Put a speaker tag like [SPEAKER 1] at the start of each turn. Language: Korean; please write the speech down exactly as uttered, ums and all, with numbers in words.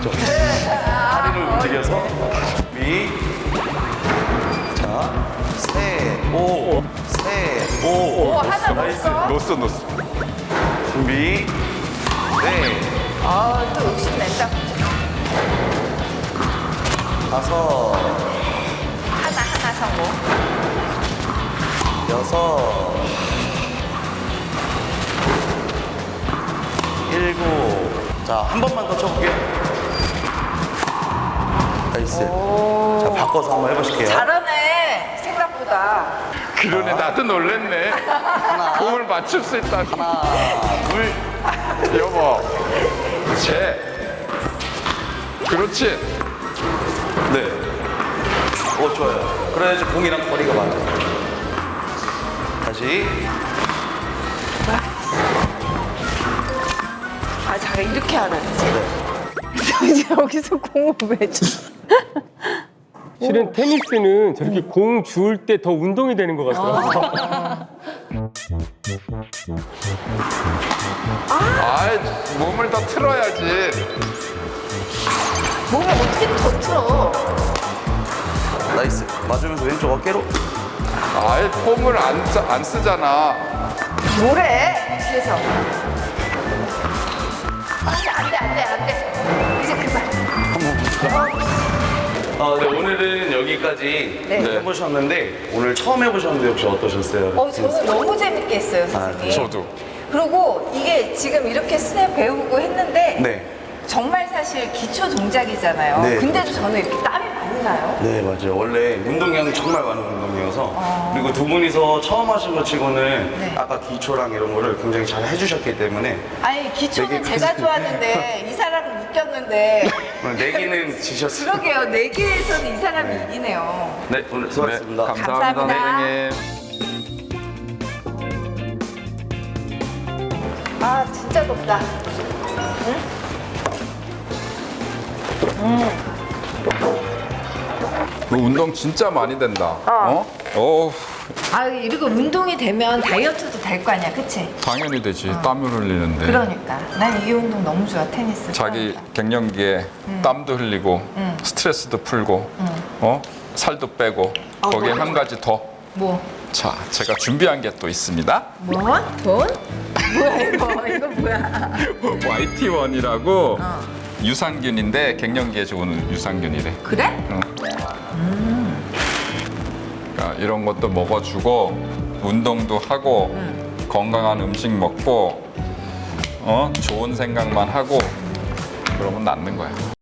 [SPEAKER 1] 맞죠? 다리를 움직여서 준비. 자, 셋, 오, 셋, 오.
[SPEAKER 2] 오, 하나
[SPEAKER 1] 나이스.
[SPEAKER 2] 넣었어.
[SPEAKER 3] 넣었어 넣었어.
[SPEAKER 1] 준비. 네,
[SPEAKER 2] 아, 또 욕심낸다.
[SPEAKER 1] 다섯,
[SPEAKER 2] 하나, 하나 성공.
[SPEAKER 1] 여섯, 일곱. 자, 한 번만 더 쳐볼게요. 나이스. 자, 바꿔서 한번 해보실게요.
[SPEAKER 2] 잘하네, 생각보다.
[SPEAKER 3] 그러네 나도 놀랬네. 공을 맞출 수 있다.
[SPEAKER 1] 하나, 둘.
[SPEAKER 3] 여보. 제. 그렇지.
[SPEAKER 1] 네. 오, 좋아요. 그래야지 공이랑 거리가 맞아요. 다시.
[SPEAKER 2] 아, 잘 이렇게 하라지.
[SPEAKER 1] 네.
[SPEAKER 2] 이제 여기서 공을 왜 줘?
[SPEAKER 4] 실은 테니스는 저렇게 공 주울 때 더 운동이 되는 것 같아요.
[SPEAKER 3] 아이 몸을 더 틀어야지.
[SPEAKER 2] 몸을 어떻게 더 틀어?
[SPEAKER 1] 나이스. 맞으면서 왼쪽 어깨로.
[SPEAKER 3] 아이 폼을 안, 쓰- 안 쓰잖아.
[SPEAKER 2] 뭐래? 뒤에서. 안 돼, 안 돼, 안 돼, 안 돼. 이제 그만.
[SPEAKER 1] 아, 네, 오늘은 여기까지
[SPEAKER 2] 네.
[SPEAKER 1] 해보셨는데 오늘 처음 해보셨는데 혹시 어떠셨어요?
[SPEAKER 2] 어, 저는 너무 재밌게 했어요, 선생님.
[SPEAKER 3] 저도.
[SPEAKER 2] 그리고 이게 지금 이렇게 스냅 배우고 했는데
[SPEAKER 1] 네.
[SPEAKER 2] 정말 사실 기초 동작이잖아요.
[SPEAKER 1] 네,
[SPEAKER 2] 근데도 저는 이렇게 땀이 많이 나요.
[SPEAKER 1] 네, 맞아요. 원래 운동량이 정말 많은 운동이어서 그리고 두 분이서 처음 하신 것 치고는
[SPEAKER 2] 네.
[SPEAKER 1] 아까 기초랑 이런 거를 굉장히 잘 해주셨기 때문에
[SPEAKER 2] 아니, 기초는
[SPEAKER 1] 되게
[SPEAKER 2] 제가 좋았는데 이 사람은 웃겼는데
[SPEAKER 1] 오늘 내기는 지셨어요.
[SPEAKER 2] 그러게요. 내기에서는 이 사람이 이기네요.
[SPEAKER 1] 네, 오늘 수고하셨습니다.
[SPEAKER 3] 네, 감사합니다,
[SPEAKER 2] 감사합니다.
[SPEAKER 3] 선생님.
[SPEAKER 2] 아, 진짜 덥다.
[SPEAKER 3] 너 운동 진짜 많이 된다. 어? 어,
[SPEAKER 2] 아, 이리고 운동이 되면 다이어트도 될 거 아니야, 그치?
[SPEAKER 3] 당연히 되지. 땀을 흘리는데.
[SPEAKER 2] 그러니까. 난 이 운동 너무 좋아, 테니스.
[SPEAKER 3] 자기
[SPEAKER 2] 그러니까.
[SPEAKER 3] 갱년기에 땀도 흘리고
[SPEAKER 2] 음.
[SPEAKER 3] 스트레스도 풀고 어? 살도 빼고
[SPEAKER 2] 아,
[SPEAKER 3] 거기에
[SPEAKER 2] 뭐야?
[SPEAKER 3] 한 가지 더.
[SPEAKER 2] 뭐?
[SPEAKER 3] 자, 제가 준비한 게 또 있습니다.
[SPEAKER 2] 뭐? 돈? 뭐야, 이거? 이거 뭐야?
[SPEAKER 3] 와이티 원이라고
[SPEAKER 2] 어.
[SPEAKER 3] 유산균인데 갱년기에 좋은 유산균이래.
[SPEAKER 2] 그래?
[SPEAKER 3] 응. 그러니까 이런 것도 먹어주고 운동도 하고 건강한 음식 먹고 어 좋은 생각만 하고 그러면 낫는 거야.